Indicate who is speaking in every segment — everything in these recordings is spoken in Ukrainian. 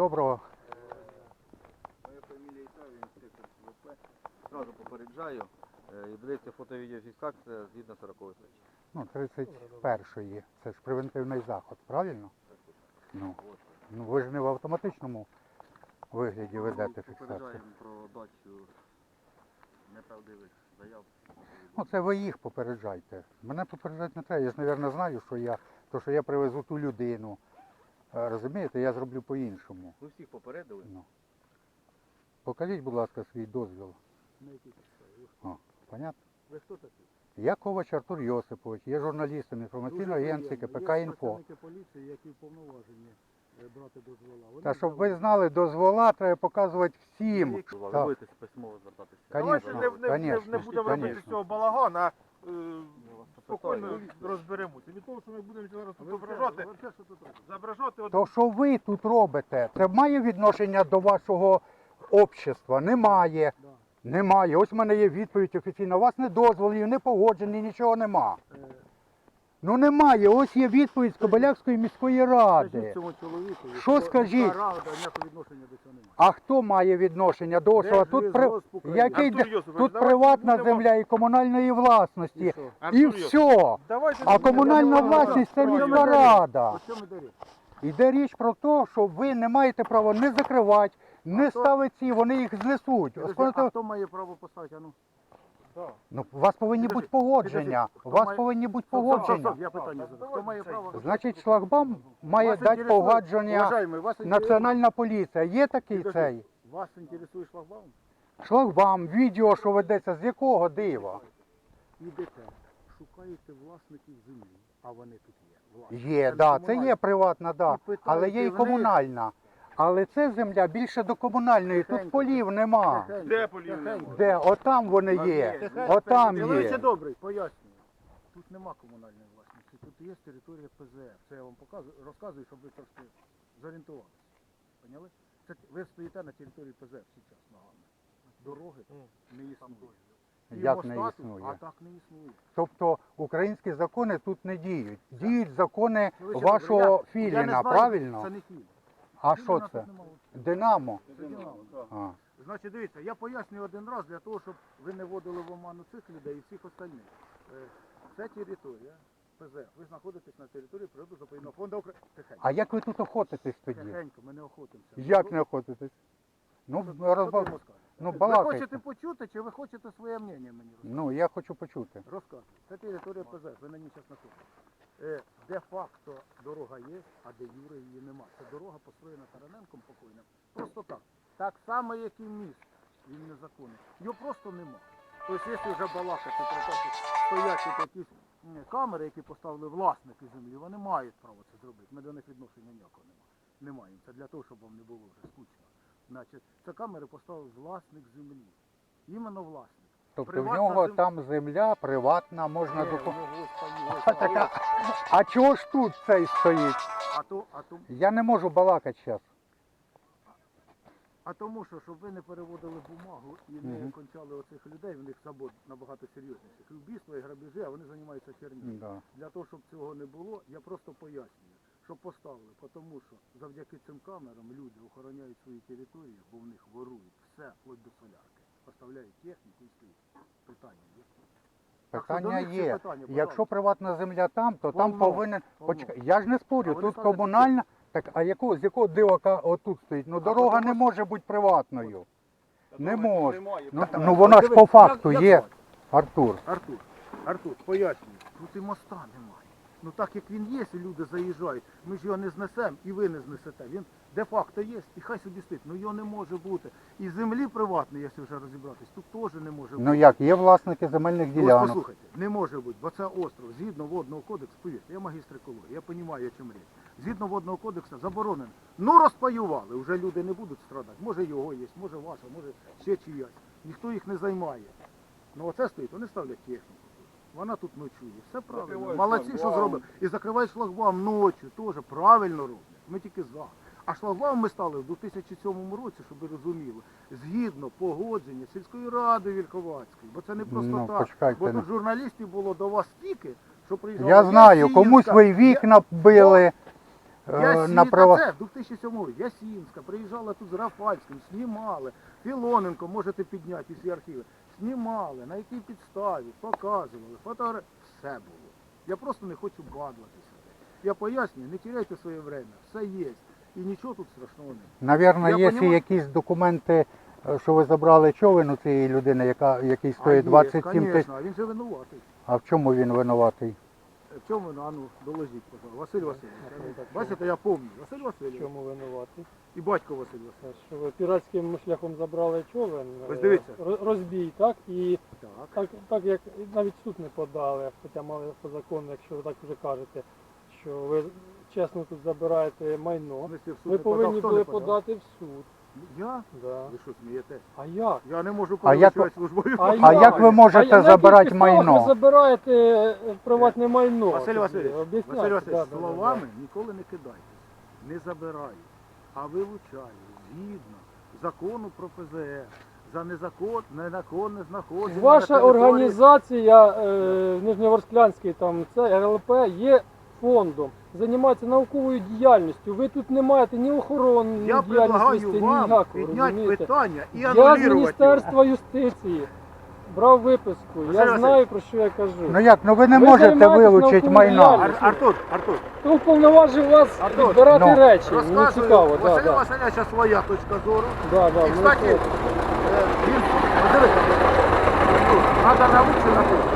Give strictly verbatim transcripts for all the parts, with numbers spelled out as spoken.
Speaker 1: доброго.
Speaker 2: Моя фамілія Ісаєв, інспектор СВП. Зразу попереджаю. І ведеться фото-відеофіксація згідно сорокової статті.
Speaker 1: Ну, тридцять першої. Це ж превентивний заход, правильно? Ну, ну ви ж не в автоматичному вигляді ведете фіксацію.
Speaker 2: Попереджаємо про дачу неправдивих заяв.
Speaker 1: Ну, це ви їх попереджайте. Мене попереджати не треба. Я ж, мабуть, знаю, що я, то, що я привезу ту людину. Розумієте, я зроблю по-іншому.
Speaker 2: Ви всіх попередили?
Speaker 1: Ну. Покажіть, будь ласка, свій дозвіл.
Speaker 2: На якій підставі?
Speaker 1: О, понятно?
Speaker 2: Ви хто такий?
Speaker 1: Я Ковач Артур Йосипович, є журналістом інформаційної агенції КПК «Інфо».
Speaker 3: Є працівники поліції, які вповноважені брати дозвола. Вони
Speaker 1: Та щоб
Speaker 3: взяли-
Speaker 1: ви знали, дозвола треба показувати всім.
Speaker 2: Ви
Speaker 1: Так.
Speaker 2: будете письмово звертатися.
Speaker 1: Конечно,
Speaker 4: Давайте не, не, не,
Speaker 1: конечно,
Speaker 4: не будемо
Speaker 1: конечно.
Speaker 4: робити з цього балаган, а е,
Speaker 2: Ми вас
Speaker 4: спокійно
Speaker 2: запитаємо.
Speaker 4: розберемося. Від того, що ми будемо зараз тут
Speaker 3: Ви все-
Speaker 4: зображати,
Speaker 3: ви все, що тут робите?
Speaker 4: зображати от
Speaker 1: То, що ви тут робите, це має відношення до вашого общества? Немає.
Speaker 3: Да.
Speaker 1: Немає. Ось в мене є відповідь офіційна. У вас не дозволів, не погоджені, нічого нема.
Speaker 3: Е,
Speaker 1: Ну немає. Ось є відповідь з Кобилякської міської ради.
Speaker 3: Скажіть цьому чоловіку,
Speaker 1: Що скажіть?
Speaker 3: міська рада ніякого відношення до цього немає.
Speaker 1: А хто має відношення до того? Тут, при...
Speaker 3: Держлісгосп України.
Speaker 1: Який...
Speaker 4: Артур
Speaker 1: де-
Speaker 4: Йосипович,
Speaker 1: тут
Speaker 4: давайте
Speaker 1: приватна
Speaker 4: будемо-
Speaker 1: земля і комунальної власності.
Speaker 3: І що?
Speaker 1: І
Speaker 4: Артур Йосипович,
Speaker 1: все.
Speaker 4: давайте
Speaker 1: А
Speaker 4: не
Speaker 1: комунальна
Speaker 4: будемо
Speaker 1: власність це
Speaker 4: розбирати.
Speaker 1: міська рада.
Speaker 3: О чому йде річ?
Speaker 1: Йде річ про те, що ви не маєте права не закривати, не
Speaker 3: хто-
Speaker 1: ставити ці, вони їх знесуть.
Speaker 3: Підожди,
Speaker 1: Оскільки-
Speaker 3: А хто має право поставити? А ну?
Speaker 4: Так.
Speaker 1: Ну, у вас повинні
Speaker 3: Підожди,
Speaker 1: бути погодження.
Speaker 3: підожди,
Speaker 1: У
Speaker 3: хто
Speaker 1: вас
Speaker 3: має-
Speaker 1: повинні бути
Speaker 3: Стоп, стоп, стоп,
Speaker 1: погодження.
Speaker 3: Я питання задав. Хто має право?
Speaker 1: Значить, шлагбаум має
Speaker 3: Вас
Speaker 1: дати
Speaker 3: інтересує-
Speaker 1: погодження
Speaker 3: Уважаємий, вас інтересує-
Speaker 1: Національна поліція. Є такий
Speaker 3: Підожди.
Speaker 1: цей?
Speaker 3: Вас інтересує шлагбаум?
Speaker 1: Шлагбаум, відео, що ведеться, з якого дива?
Speaker 3: Ідете, шукаєте власників землі, а вони тут є. Власники.
Speaker 1: Є,
Speaker 3: не
Speaker 1: да, це
Speaker 3: комунальні.
Speaker 1: є приватна, да.
Speaker 3: І питаєте
Speaker 1: Але є і
Speaker 3: в них-
Speaker 1: комунальна. Але це земля більше до комунальної, тут
Speaker 3: Тихенько.
Speaker 1: полів нема.
Speaker 3: Тихенько,
Speaker 4: Де полів
Speaker 3: тихенько.
Speaker 4: нема?
Speaker 1: Де? Отам вони є.
Speaker 3: Тихенько.
Speaker 1: Отам
Speaker 3: Чоловіче
Speaker 1: є.
Speaker 3: добрий, пояснюю. Тут нема комунальної власності, тут є територія П З Ф. Це я вам показую, розказую, щоб ви трошки зорієнтувалися. Поняли? Це ви стоїте на території П З Ф зараз ногами. Дороги не існує. І
Speaker 1: Як не
Speaker 3: моста тут,
Speaker 1: існує?
Speaker 3: А так не існує.
Speaker 1: Тобто українські закони тут не діють. Діють закони
Speaker 3: Чоловіче
Speaker 1: вашого
Speaker 3: добрий, я- я не
Speaker 1: Філіна,
Speaker 3: знаю,
Speaker 1: правильно?
Speaker 3: Це не Філін.
Speaker 1: А
Speaker 3: Філіна
Speaker 1: що
Speaker 3: тут
Speaker 1: це?
Speaker 3: нема.
Speaker 1: Динамо.
Speaker 3: Це Динамо.
Speaker 1: А.
Speaker 3: Значить, дивіться, я пояснюю один раз для того, щоб ви не вводили в оману цих людей і всіх остальних. Е, Це територія П З Ф. Ви знаходитесь на території природно-заповідного фонду України. Тихенько.
Speaker 1: А як ви тут охотитесь тоді?
Speaker 3: Тихенько, ми не охотимося.
Speaker 1: Як не охотитесь? Ну,
Speaker 3: Що- що ти
Speaker 1: розбав...
Speaker 3: йому скажеш?
Speaker 1: ну
Speaker 3: Ви
Speaker 1: балакайте.
Speaker 3: хочете почути, чи ви хочете своє мнення мені розказати?
Speaker 1: Ну, я хочу почути.
Speaker 3: Розказуйте. Це територія П З Ф, ви на ній зараз знаходитесь. Е, Де-факто дорога є, а де Юри її нема. Це дорога построєна Тараненком покойним. Просто так. Так само, як і міст. Він незаконний. Його просто нема. Тобто, якщо вже балакати про те, що стоять тут якісь м, камери, які поставили власники землі, вони мають право це зробити. Ми до них відношення ніякого немає. Не маємо. Це для того, щоб вам не було вже скучно. Значить, це камери поставив власник землі. Іменно власник.
Speaker 1: Тобто в
Speaker 3: Приватна
Speaker 1: нього
Speaker 3: зем-
Speaker 1: там земля приватна, можна
Speaker 3: Е,
Speaker 1: доку...
Speaker 3: його стоїть.
Speaker 1: А, така... а чого ж тут цей стоїть?
Speaker 3: А то, а то,
Speaker 1: Я не можу балакати зараз.
Speaker 3: А тому що, щоб ви не переводили бумагу і не
Speaker 1: Мгм.
Speaker 3: кончали оцих людей, в них забот набагато серйозніших. І вбійства, і грабежі, а вони займаються хернею.
Speaker 1: Да.
Speaker 3: Для того, щоб цього не було, я просто пояснюю, що поставили, тому що завдяки цим камерам люди охороняють свої території, бо в них ворують все, вплоть до солярки. Поставляють техніку і стоїть. Питання є. Так що до
Speaker 1: Питання
Speaker 3: них всі
Speaker 1: є.
Speaker 3: питання,
Speaker 1: Якщо
Speaker 3: пожалуйста.
Speaker 1: приватна земля там, то там
Speaker 3: Повно,
Speaker 1: повинен...
Speaker 3: повно.
Speaker 1: Почекай, я ж не спорю,
Speaker 3: А вони
Speaker 1: тут
Speaker 3: ставлять
Speaker 1: комунальна... Так, а якого, з якого дива ка- отут стоїть? Ну дорога
Speaker 3: тому
Speaker 1: не
Speaker 3: що-
Speaker 1: може бути приватною. Не може.
Speaker 4: Немає.
Speaker 1: Ну, та- ну вона ж
Speaker 3: Дивись,
Speaker 1: по факту
Speaker 3: як-
Speaker 1: є,
Speaker 3: як звати?
Speaker 1: Артур.
Speaker 3: Артур, Артур, пояснюю, тут і моста немає. Ну так як він є, і люди заїжджають, ми ж його не знесемо і ви не знесете. Він де-факто є, і хай собі стоїть. Ну його не може бути. І землі приватної, якщо вже розібратись, тут теж не може бути.
Speaker 1: Ну як, є власники земельних
Speaker 3: Ось
Speaker 1: ділянок.
Speaker 3: послухайте, не може бути, бо це остров, згідно водного кодексу, повірте, я магістр екології, я розумію, о чому річ. Згідно водного кодексу заборонено. Ну розпаювали, вже люди не будуть страдати. Може його є, може ваша, може ще чиясь. Ніхто їх не займає. Ну оце стоїть, вони ставлять техніку. Вона тут ночує. Все правильно.
Speaker 4: Закривають
Speaker 3: Молодці, що
Speaker 4: шлагбаум.
Speaker 3: зробили. І закривають шлагбаум ночі, теж правильно роблять. Ми тільки за. А шлагбаум ми стали в дві тисячі сьомому році, щоб ви розуміли, згідно погодження сільської ради Вільховацької. Бо це не просто
Speaker 1: Ну,
Speaker 3: так.
Speaker 1: почекайте,
Speaker 3: Бо
Speaker 1: ну.
Speaker 3: тут журналістів було до вас стільки, що приїжджали.
Speaker 1: Я знаю,
Speaker 3: Ясінська,
Speaker 1: комусь ви
Speaker 3: Я-
Speaker 1: вікна били, е,
Speaker 3: Я
Speaker 1: на
Speaker 3: сі-
Speaker 1: права.
Speaker 3: та це в дві тисячі сьомому році Ясінська приїжджала тут з Рафальським, знімали. Філоненко можете підняти всі архіви. Знімали, на якій підставі, показували, фотографії. Все було. Я просто не хочу бадлатися. Я пояснюю, не теряйте своє время, все є. І нічого тут страшного немає.
Speaker 1: Навірно,
Speaker 3: Я
Speaker 1: є
Speaker 3: понімаю.
Speaker 1: якісь документи, е, що ви забрали човен у цієї людини, яка, який стоїть двадцять сім тисяч.
Speaker 3: Звісно, а він же винуватий.
Speaker 1: А в чому він винуватий?
Speaker 3: В чому ви, а ну, доложіть, пожалуйста. Василь Васильович. Бачите, я пам'ятаю. Василь Васильович
Speaker 5: Чому винувати?
Speaker 3: і батько Василь Васильович.
Speaker 5: Що ви піратським шляхом забрали човен,
Speaker 3: Ось
Speaker 5: е,
Speaker 3: дивіться.
Speaker 5: роз- розбій, так? І
Speaker 3: Так.
Speaker 5: так, так як навіть в суд не подали, хоча мали по закону, якщо ви так вже кажете, що ви чесно тут забираєте майно,
Speaker 3: В смислі, в суд
Speaker 5: ви
Speaker 3: не подав,
Speaker 5: повинні
Speaker 3: хто
Speaker 5: були
Speaker 3: не подав?
Speaker 5: подати в суд.
Speaker 3: Я?
Speaker 5: Да.
Speaker 3: Ви що, смієтесь?
Speaker 5: А як?
Speaker 3: Я не можу
Speaker 1: А як
Speaker 3: перевищувати службові
Speaker 5: А
Speaker 1: А як ви
Speaker 5: А
Speaker 1: можете
Speaker 5: на яких
Speaker 1: забирати
Speaker 5: підставах
Speaker 1: майно?
Speaker 5: Ви забираєте е, приватне майно.
Speaker 3: Василь
Speaker 5: Тоді?
Speaker 3: Васильович,
Speaker 5: Об'ясняйте.
Speaker 3: Василь Васильович,
Speaker 5: Да, да, да,
Speaker 3: словами ніколи не кидайте, не забираю, а вилучаю згідно закону про П З Е за незакон, незаконне знаходження. на
Speaker 5: Ваша
Speaker 3: території-
Speaker 5: організація е, Нижньоворсклянський, там це Р Л П є фондом, займається науковою діяльністю. Ви тут не маєте ні охорони,
Speaker 3: Я
Speaker 5: ні діяльності,
Speaker 3: предлагаю
Speaker 5: ні
Speaker 3: вам
Speaker 5: ніякого,
Speaker 3: підняти
Speaker 5: розумієте?
Speaker 3: питання і
Speaker 5: Я з
Speaker 3: анулювати його.
Speaker 5: Міністерства юстиції брав виписку.
Speaker 3: Василь
Speaker 5: Я
Speaker 3: Васильович.
Speaker 5: знаю, про що я кажу.
Speaker 1: Ну як, ну ви не
Speaker 5: Ви
Speaker 1: можете
Speaker 5: займаєтесь
Speaker 1: вилучити
Speaker 5: науковою
Speaker 1: майно.
Speaker 5: діяльністю.
Speaker 3: Ар- Артур, Артур,
Speaker 5: Хто вповноважив вас
Speaker 3: Артур,
Speaker 5: відбирати
Speaker 1: ну,
Speaker 5: речі? Мені
Speaker 3: розказую,
Speaker 5: цікаво. Да,
Speaker 3: Василя
Speaker 5: да.
Speaker 3: Васильовича своя точка зору.
Speaker 5: Да, да,
Speaker 3: І,
Speaker 5: ну,
Speaker 3: кстати,
Speaker 5: це-
Speaker 3: е, він, подивіться, Артур, треба науку написати.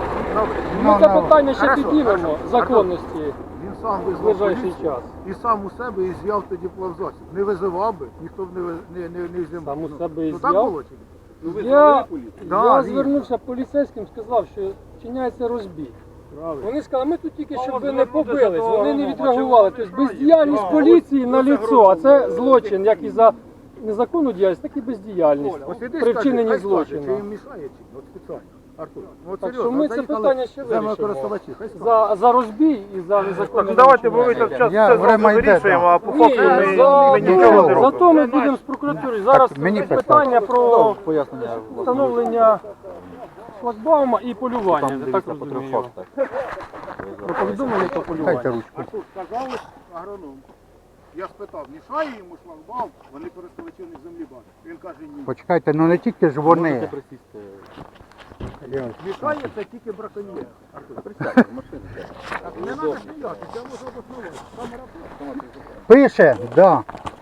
Speaker 5: Ми
Speaker 1: Ну,
Speaker 5: це
Speaker 1: ну,
Speaker 5: питання ще
Speaker 3: хорошо,
Speaker 5: піднімемо
Speaker 3: хорошо.
Speaker 5: законності
Speaker 3: Він сам
Speaker 5: в
Speaker 3: визвав
Speaker 5: ближайший
Speaker 3: поліцію
Speaker 5: час.
Speaker 3: і сам у себе і з'яв тоді плавзасіб. Не визивав би, ніхто б не, ви- не, не, не взяв.
Speaker 5: Сам у
Speaker 3: Ну,
Speaker 5: себе і
Speaker 3: ну, так
Speaker 5: з'яв?
Speaker 3: було чи ні?
Speaker 5: Я,
Speaker 3: Да,
Speaker 5: я
Speaker 3: він.
Speaker 5: звернувся поліцейським, сказав, що вчиняється розбій.
Speaker 3: Правильно.
Speaker 5: Вони сказали, ми тут тільки щоб ви не
Speaker 4: звернутися
Speaker 5: побились,
Speaker 4: до
Speaker 5: вони не
Speaker 4: Романа,
Speaker 5: відреагували.
Speaker 4: чому
Speaker 5: Тобто
Speaker 4: вони
Speaker 5: бездіяльність
Speaker 4: мішають?
Speaker 5: поліції на
Speaker 4: Ось
Speaker 5: ліцо, а це злочин, як і за незаконну діяльність, так і бездіяльність
Speaker 3: Ось іди
Speaker 5: при
Speaker 3: скажи,
Speaker 5: вчиненні
Speaker 3: хай скаже, чи
Speaker 5: злочину.
Speaker 3: їм мішає чи ні? От спеціально. Артур, ну от
Speaker 5: Так
Speaker 3: серйозно,
Speaker 5: що ми
Speaker 3: от
Speaker 5: це
Speaker 3: заїхали
Speaker 5: питання ще
Speaker 3: землекористувачі, хай скаже.
Speaker 5: За, за розбій і за незаконне
Speaker 4: Ну давайте, бо ви
Speaker 5: злочин.
Speaker 4: так час
Speaker 1: Я-
Speaker 4: все
Speaker 1: время
Speaker 4: зразу
Speaker 1: йде,
Speaker 4: вирішуємо,
Speaker 1: да.
Speaker 4: а по
Speaker 5: Ні,
Speaker 4: факту ми,
Speaker 5: за,
Speaker 4: ми нічого не
Speaker 1: нічого.
Speaker 4: робимо.
Speaker 5: зато ми будемо з прокуратури. Зараз
Speaker 1: мені
Speaker 5: питання
Speaker 1: питання.
Speaker 5: про
Speaker 2: Пояснення.
Speaker 5: встановлення шлагбаума і полювання, я так розумію. Про повідомлення про
Speaker 1: Дайте
Speaker 5: полювання.
Speaker 1: ручку.
Speaker 3: Артур, сказали агроном. Я спитав, мішає йому шлагбаум, вони користувачі у них землі бачать. Він каже, ні.
Speaker 1: Почекайте, ну не тільки ж вони.
Speaker 3: Мішає це тільки браконьєр. Артур,
Speaker 2: Присядьте, в машину.
Speaker 3: так не треба сміятися, я можу обоснувати. Камера тут.
Speaker 1: Пише, да.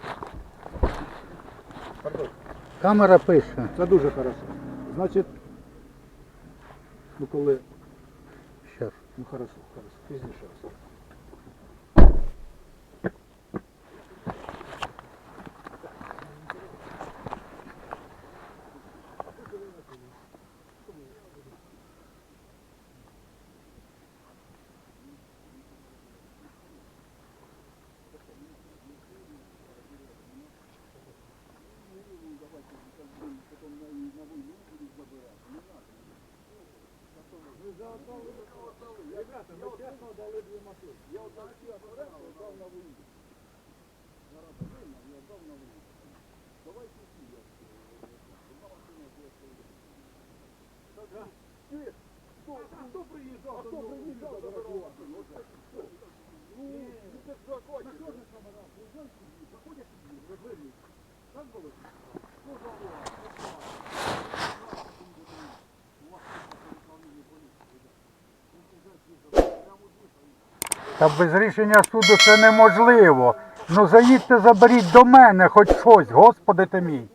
Speaker 1: Камера пише.
Speaker 3: Це дуже хорошо. Значить, ну коли,
Speaker 1: Щас.
Speaker 3: ну хорошо, хорошо, пізніше раз.
Speaker 1: Та без рішення суду це неможливо. Ну заїдьте, заберіть до мене хоч щось, Господи ти мій.